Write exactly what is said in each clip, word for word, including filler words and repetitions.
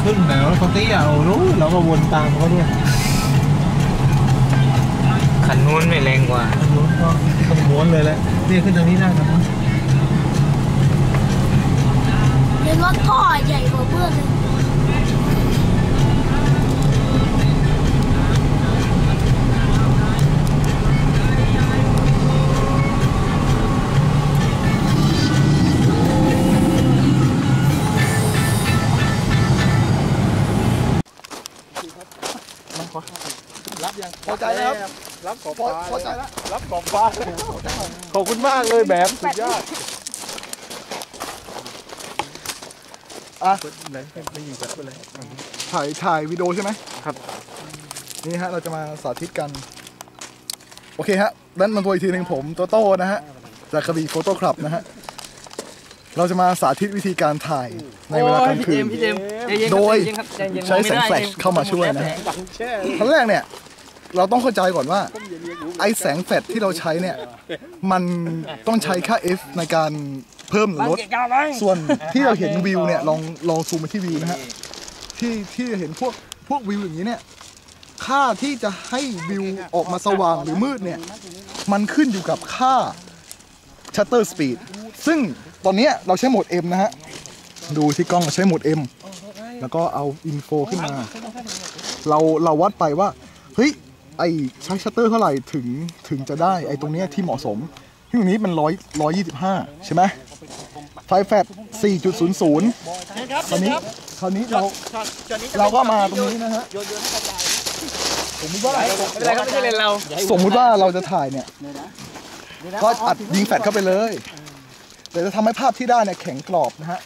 ขึ้นแต่รถเขาเตี้ยโอ้รู้เราก็วนตามเขาด้วยขันนู้นไม่แรงกว่าขันนู้นก็ต้องม้วนเลยแหละนี่ขึ้นทางนี้ได้ครับเรียกว่าท่อใหญ่กว่าเพื่อนเลยรับยังพอใจแล้วรับขอบฟ้าพอใจแล้วรับขอบฟ้าขอบคุณมากเลยแบบสุดยอดอ่ะไหนไม่ยิงแบบอะไรถ่ายถ่ายวิดีโอใช่ไหมครับนี่ฮะเราจะมาสาธิตกันโอเคฮะด้านมันตัวอีกทีหนึ่งผมโตโต้นะฮะจากกระบี่โฟโต้คลับนะฮะเราจะมาสาธิตวิธีการถ่ายในเวลากลางคืนโดยใช้แสงแฟลชเข้ามาช่วยนะฮะขั้นแรกเนี่ยเราต้องเข้าใจก่อนว่าไอแสงแฟลชที่เราใช้เนี่ยมันต้องใช้ค่า F ในการเพิ่มหรือลดส่วนที่เราเห็นวิวเนี่ยลองลองซูมไปที่วิวนะฮะที่ที่เห็นพวกพวกวิวอย่างนี้เนี่ยค่าที่จะให้วิวออกมาสว่างหรือมืดเนี่ยมันขึ้นอยู่กับค่า shutter speed ซึ่งตอนนี้เราใช้โหมด M นะฮะดูที่กล้องเราใช้โหมด M แล้วก็เอาอินโฟขึ้นมาเราเราวัดไปว่าเฮ้ยไอใช้ชัตเตอร์เท่าไหร่ถึงถึงจะได้ไอตรงนี้ที่เหมาะสมที่ตรงนี้มันร้อยร้อยยี่สิบห้าใช่ไหมไฟแฟลช สี่จุดศูนย์ศูนย์ คราวนี้คราวนี้เราเราก็มาตรงนี้นะฮะสมมติว่าสมมติว่าเราจะถ่ายเนี่ยก็อัดยิงแฟลชเข้าไปเลยแต่จะทำให้ภาพที่ได้เนี่ยแข็งกรอบนะฮะ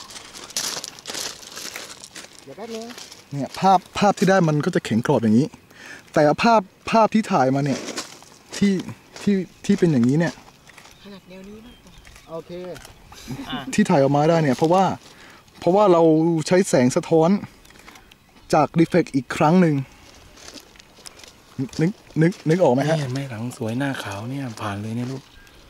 เนี่ยภาพภาพที่ได้มันก็จะแข็งกรอบอย่างนี้แต่ภาพภาพที่ถ่ายมาเนี่ยที่ที่ที่เป็นอย่างนี้เนี่ยโอเคที่ถ่ายออกมาได้เนี่ยเพราะว่าเพราะว่าเราใช้แสงสะท้อนจากรีเฟล็กอีกครั้งหนึ่งนึกนึกนึกออกไหมฮะไม่หลังสวยหน้าขาวเนี่ยผ่านเลยเนี่ยลูก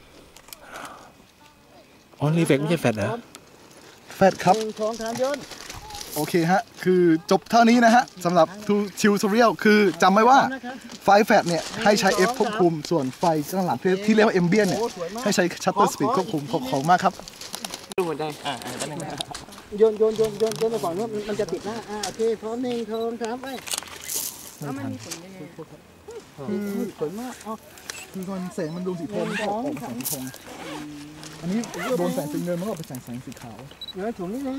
อ๋อรีเฟล็กไม่ใช่แฟลชเหรอแฟลชครับโอเคฮะคือจบเท่านี้นะฮะสำหรับทูชิวทูเรียลคือจำไว้ว่าไฟแฟลชเนี่ยให้ใช้ F ควบคุมส่วนไฟข้างหลังที่เรียกว่า Ambient เนี่ยให้ใช้ Shutter Speed ควบคุมขอบคุณมากครับดูหมดได้อ่าโยนโยนโยนโยนโยนไปก่อนว่ามันจะติดหน้าอ่าโอเคพร้อมหนึ่งโทนครับไปแล้วมันมีผลยังไงคือสวยมากอ๋อคือตอนแสงมันโดนสีทองออกแสงสีทองอันนี้โดนแสงสีเงินมันก็เป็นแสงแสงสีขาวเดี๋ยวถุงนิดนึง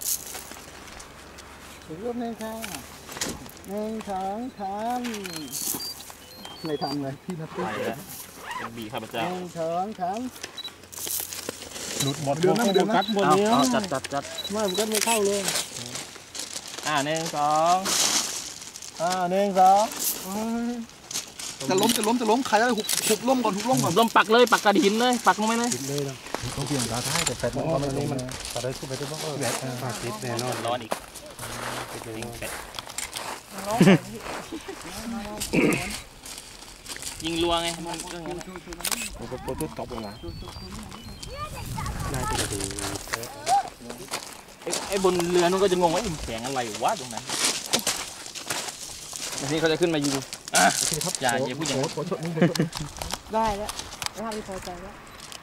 ถึงรูปหนึ่งค่ะหนึ่งสองสามไม่ทำเลยพี่นัทตี้ยังบีข้าพเจ้าหนึ่งสองสามหลุดหมดเดือนเดือนกัดหมดเนี้ยจัดจัดจัดไม่ผมก็ไม่เข้าเลยอ่าหนึ่งสองอ่าหนึ่งสองจะล้มจะล้มจะล้มใครอะไรหุบหุบล้มก่อนหุบล้มก่อนล้มปักเลยปักกระดิ่งเลยปักลงไปเลยเลยนะต้องเปลี่ยนตาท้ายแต่แฟนมันก็ไม่นี้มันตัดได้สู้ไปได้บ้างเออแบบฝากติดแน่นอนร้อนอีกยิงรัวไงมันก็อย่างนั้นโอ้โหโปรตุตบเลยนะนายจะดูไอ้บนเรือนู้นก็จะงงว่าอิ่มแสงอะไรวะตรงนั้นทีนี้เขาจะขึ้นมายิงอ่ะโอเคครับอย่าอย่าพูดอย่างนี้ได้แล้วภาพที่พอใจแล้ว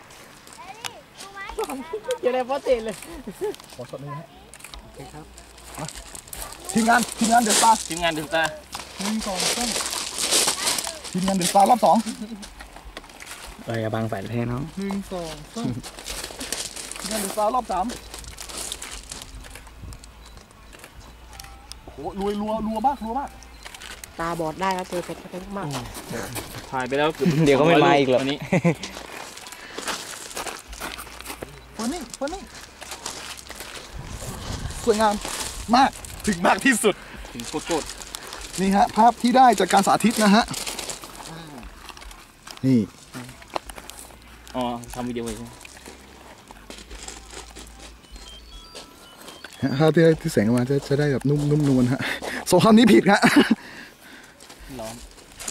อย่าได้พอเตะเลยขอช็อตนี้ฮะโอเคครับทีมงานทีมงานเดือดตาทีมงานเดือดตาหนึ่งสองสามทีมงานเดือดตารอบสองไปกับบางแฝดแท้น้องหนึ่งสองสามทีมงานเดือดตารอบสามโอ้โหรัวรัวรัวมากรัวมากตาบอดได้แล้วเจอเสร็จไปมากถ่ายไปแล้วเดี๋ยวก็ไม่มาอีกหรอกนี้ฟันนี่ฟันนี่สวยงามมากถึงมากที่สุดถึงโคตรนี่ฮะภาพที่ได้จากการสาธิตนะฮะนี่อ๋อทำวิดีโอใช่ไหมภาพที่ได้ที่แสงออกมาจะจะได้แบบนุ่มนุ่มนวลฮะโซคำนี้ผิดฮะร้อน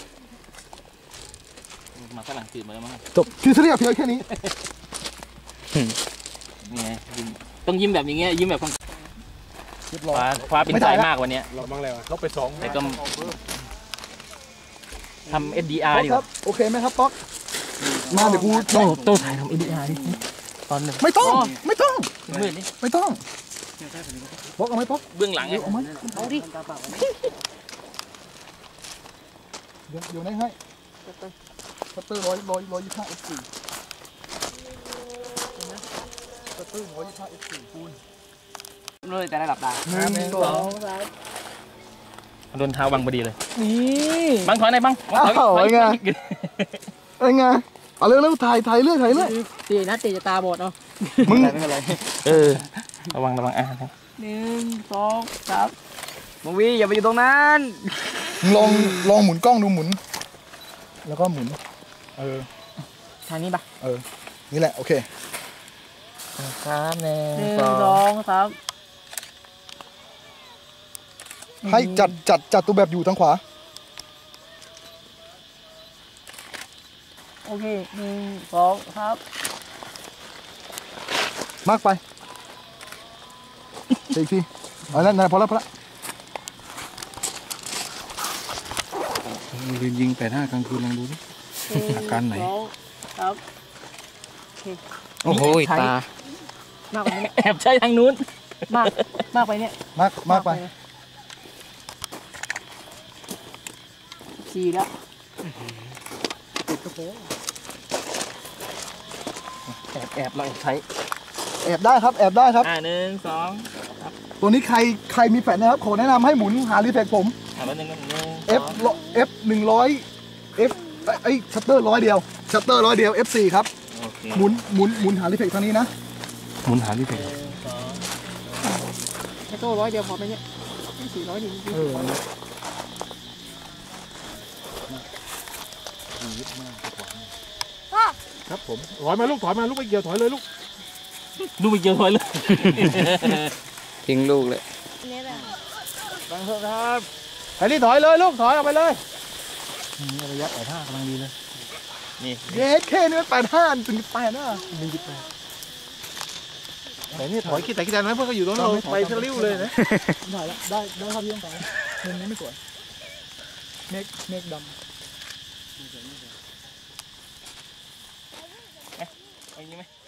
มาฝรั่งจืดมาแล้วมั้งจบที่เรียกเพียงแค่นี้นี่ไงต้องยิ้มแบบอย่างเงี้ยยิ้มแบบรียบร้อยฟ้าฟ้าเป็นไม่ใจถ่ายละมากวันเนี้ยเราบ้างอะไรวะเราไปสองแต่ก็ทำ เอส ดี อาร์ป๊อกดีคกรัว่าบโอเคไหมครับป๊อกมาเดี๋ยวกูโตโตถ่ายทำ เอส ดี อาร์ ดิตอนหนึ่งไม่ต้องไม่ต้องมืดนี่ไม่ต้องป๊อกเอาไหมป๊อกเบื้องหลังไงเอาไหมเอาดิเดี๋ยวเดี๋ยวได้ให้คัตเตอร์ร้อยร้อยร้อยยี่สิบห้าเอฟสี่คัตเตอร์ร้อยยี่สิบห้าเอฟสี่คูณเลยแต่ระดับดาหนึ่งสองโดนเท้าบังพอดีเลยนี่บังถอยไหนอยบังบังถอยอ้าวถอยไง เอ้ยไงเอาเร็วเร็วถ่ายถ่ายเรื่อยถ่ายเรื่อยตีนะตีจะตาบอดเนาะมึงเออระวังระวังอ่ะหนึ่งสองสามมึงวีอย่าไปอยู่ตรงนั้นลองลองหมุนกล้องดูหมุน แล้วก็หมุนเออทางนี้ปะเออนี่แหละโอเคครับหนึ่งหนึ่งสสออง งสามให้จัดจัดจัดตัวแบบอยู่ทางขวาโอเคหนึ่งสองครับมากไปอีกทีเอานั่นนั่นพอแล้วพอแล้วลืมยิงแปดห้ากลางคืนลองดูดิ อาการไหนงสองครับโอ้โหตามากไปเนี่ยแอบใช้ทางนู้นมากมากไปเนี่ยมากมากไปสี่แล้วแอบแอบเราแอบใช้แอบได้ครับแอบได้ครับอ่าหนึ่งสองตัวนี้ใครใครมีแฟลชนะครับขอแนะนำให้หมุนหารีเฟกผมอ่าแล้วหนึ่งหนึ่ง F F หนึ่งร้อย F ไอ้ชัตเตอร์ร้อยเดียวชัตเตอร์ร้อยเดียว F สี่ครับโอเคหมุนหมุนหมุนหารีเฟกทางนี้นะหมุนหาที่เพจแค่โต้ร้อยเดียวพอไหมเนี่ยสี่ร้อยดีจริงเออครับผมถอยมาลูกถอยมาลูกไปเกี่ยวถอยเลยลูกดูไปเจอเลยทิ้งลูกเลยเนี่ยแหละบังเถอะครับไปรีถอยเลยลูกถอยออกไปเลยนี่ระยะแปดห้ากำลังดีเลยนี่เยสเคนี่มันแปดห้าถึงแปดนะแต่นี่ถอยคิดแต่คิดแต่นั้นเพื่อนก็อยู่ตรงนั้นไปทะลิ้วเลยนะได้ละได้ได้ครับพี่ต้องไปมุมนี้ไม่สวยเมฆเมฆดำเอาอย่างนี้ไหม